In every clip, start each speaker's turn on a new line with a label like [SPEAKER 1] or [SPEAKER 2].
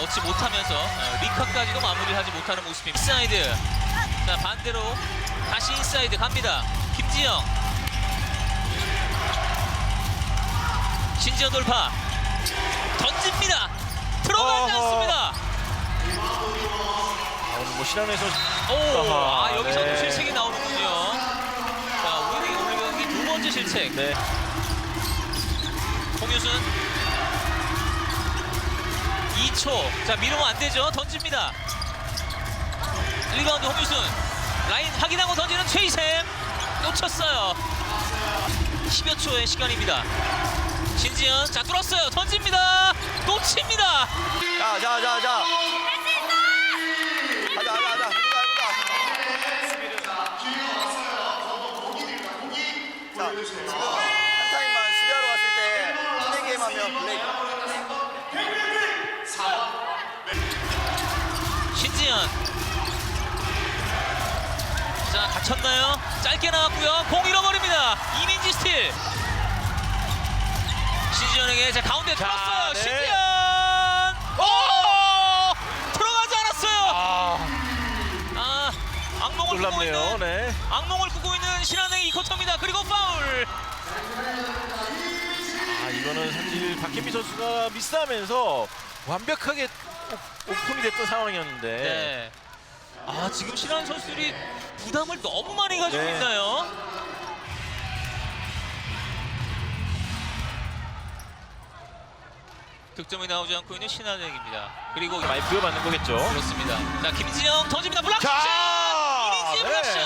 [SPEAKER 1] 넣지 못하면서 리카까지도 마무리를 하지 못하는 모습입니다. 인사이드. 자, 반대로 다시 인사이드 갑니다. 김지영. 신지영 돌파. 던집니다. 들어가지 않습니다.
[SPEAKER 2] 오늘 뭐 신한에서
[SPEAKER 1] 오, 여기서도
[SPEAKER 2] 네.
[SPEAKER 1] 실책이 나오는군요. 자, 오늘 경기 두 번째 실책.
[SPEAKER 2] 네.
[SPEAKER 1] 홍유순 2초. 자, 미루면 안 되죠. 던집니다. 리바운드 홍유순. 라인 확인하고 던지는 최희샘. 놓쳤어요. 10여 초의 시간입니다. 신지연. 자, 뚫었어요. 던집니다. 놓칩니다.
[SPEAKER 2] 자. 가자. 자, 지금 한 타임만 수비하러 왔을 때 플레이 게임 하면 블레이크.
[SPEAKER 1] 신지연. 자, 다쳤나요? 짧게 나왔고요. 공 잃어버립니다. 이민지 스틸. 신지연에게 자, 가운데 들었어요.
[SPEAKER 2] 네.
[SPEAKER 1] 신지연. 오! 들어가지 않았어요. 악몽을 꾸고
[SPEAKER 2] 놀랍네요.
[SPEAKER 1] 있는
[SPEAKER 2] 네.
[SPEAKER 1] 악몽을 꾸고 있는 신한의 이코터입니다. 그리고 파울.
[SPEAKER 2] 이거는 사실 박혜미 선수가 미스하면서 완벽하게 오픈이 됐던 상황이었는데.
[SPEAKER 1] 네. 지금 신한 선수들이 부담을 너무 많이 가지고
[SPEAKER 2] 네.
[SPEAKER 1] 있나요? 득점이 나오지 않고 있는 신한은행입니다. 그리고
[SPEAKER 2] 많이 부여받는 거겠죠.
[SPEAKER 1] 그렇습니다. 자, 김진영 던집니다. 블락샷!
[SPEAKER 2] 자!
[SPEAKER 1] 이민지의
[SPEAKER 2] 네.
[SPEAKER 1] 블락샷!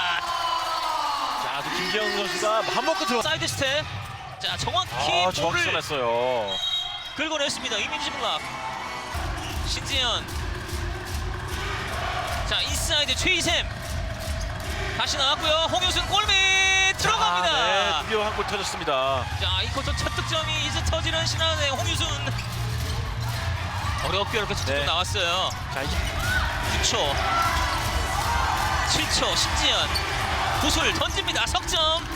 [SPEAKER 2] 자, 아주 김지영 선수가 맘 먹고 들어.
[SPEAKER 1] 사이드 스텝. 자, 정확히
[SPEAKER 2] 정확히
[SPEAKER 1] 볼을
[SPEAKER 2] 쏘냈어요.
[SPEAKER 1] 긁어냈습니다. 이민지 블락. 신지연. 자, 인사이드 최희샘. 다시 나왔고요. 홍유순 골밑 들어갑니다.
[SPEAKER 2] 네, 드디어 한 골 터졌습니다.
[SPEAKER 1] 자, 이 쿼터 첫 득점이 이제 터지는 신한은행 홍유순. 어렵게 첫 득점
[SPEAKER 2] 네.
[SPEAKER 1] 나왔어요.
[SPEAKER 2] 자, 이제
[SPEAKER 1] 9초. 7초. 신지연. 구슬 던집니다. 석점.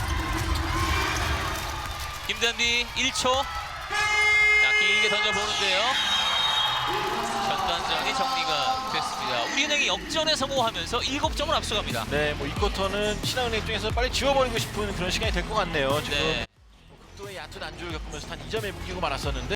[SPEAKER 1] 김단비 1초. 자, 길게 던져보는데요. 전반전이 정리가 됐습니다. 우리은행이 역전에 성공하면서 7점을 앞서갑니다.
[SPEAKER 2] 네, 뭐 이 쿼터는 신한은행 입장에서 빨리 지워버리고 싶은 그런 시간이 될 것 같네요. 지금
[SPEAKER 1] 네.
[SPEAKER 2] 극도의 얕은 안주를 겪으면서 단 2점에 묶이고 말았었는데.